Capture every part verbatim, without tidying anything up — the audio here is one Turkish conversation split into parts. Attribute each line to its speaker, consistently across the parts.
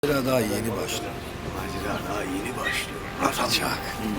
Speaker 1: Macera daha yeni başlıyor.
Speaker 2: Macera daha yeni başlıyor.
Speaker 1: Atacak.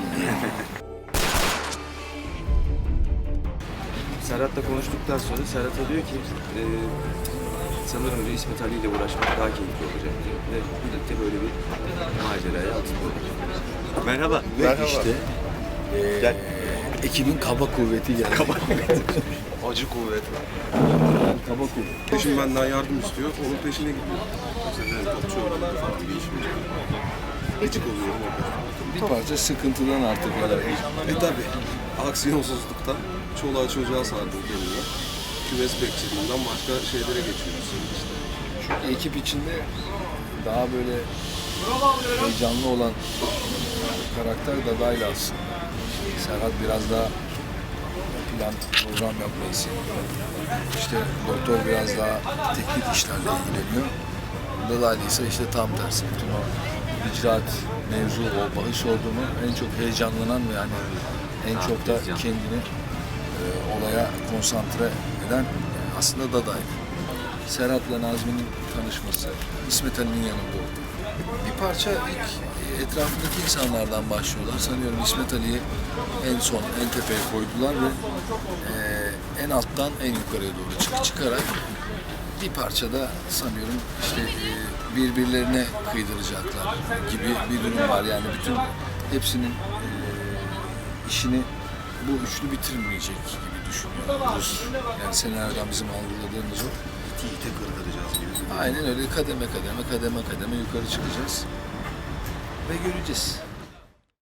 Speaker 3: Serhat'la konuştuktan sonra Serhat'a diyor ki e, sanırım diyor, İsmet Ali ile uğraşmak daha keyifli olacak diyor. Ve birlikte böyle bir maceraya atılıyorlar.
Speaker 2: Merhaba.
Speaker 1: Ve
Speaker 2: Merhaba.
Speaker 1: işte eee,
Speaker 2: Gel.
Speaker 1: ekibin kaba kuvveti geldi.
Speaker 2: Kaba Acı kuvvet.
Speaker 1: Kaba kuvveti.
Speaker 4: Peşin benden yardım istiyor, onun peşine gidiyor. Mesela ben topçu oynadım falan bir işim yok. Gıcık oluyorum orada.
Speaker 1: Bir parça sıkıntıdan artık böyle.
Speaker 4: E tabi, aksiyonsuzluktan çoluğa çocuğa sardım kendime. Kümes bekçiliğinden başka şeylere geçiyoruz şimdi işte.
Speaker 1: Ekip içinde daha böyle heyecanlı olan karakter Dada'yla aslında. Serhat biraz daha plan, program yapmayı seviyor. İşte doktor biraz daha teknik işlerle ilgileniyor. Dada'yla ise işte tam tersi. Bütün o icraat mevzu, o bahis olduğunu en çok heyecanlanan ve yani en çok da kendini e, olaya konsantre eden aslında Dada'ydı. Serhat'la Nazmi'nin tanışması, İsmet Ali'nin yanında oldu. Bir parça ilk etrafındaki insanlardan başlıyorlar. Sanıyorum İsmet Ali'yi en son, en tepeye koydular ve e, en alttan en yukarıya doğru çık çıkarak bir parça da sanıyorum işte e, birbirlerine kıydıracaklar gibi bir durum var. Yani bütün hepsinin e, işini bu üçlü bitirmeyecek gibi düşünüyoruz. Yani senaryodan bizim algıladığımız o.
Speaker 2: İti ite kırdıracağız gibi.
Speaker 1: Aynen öyle kademe kademe kademe kademe yukarı çıkacağız ve göreceğiz.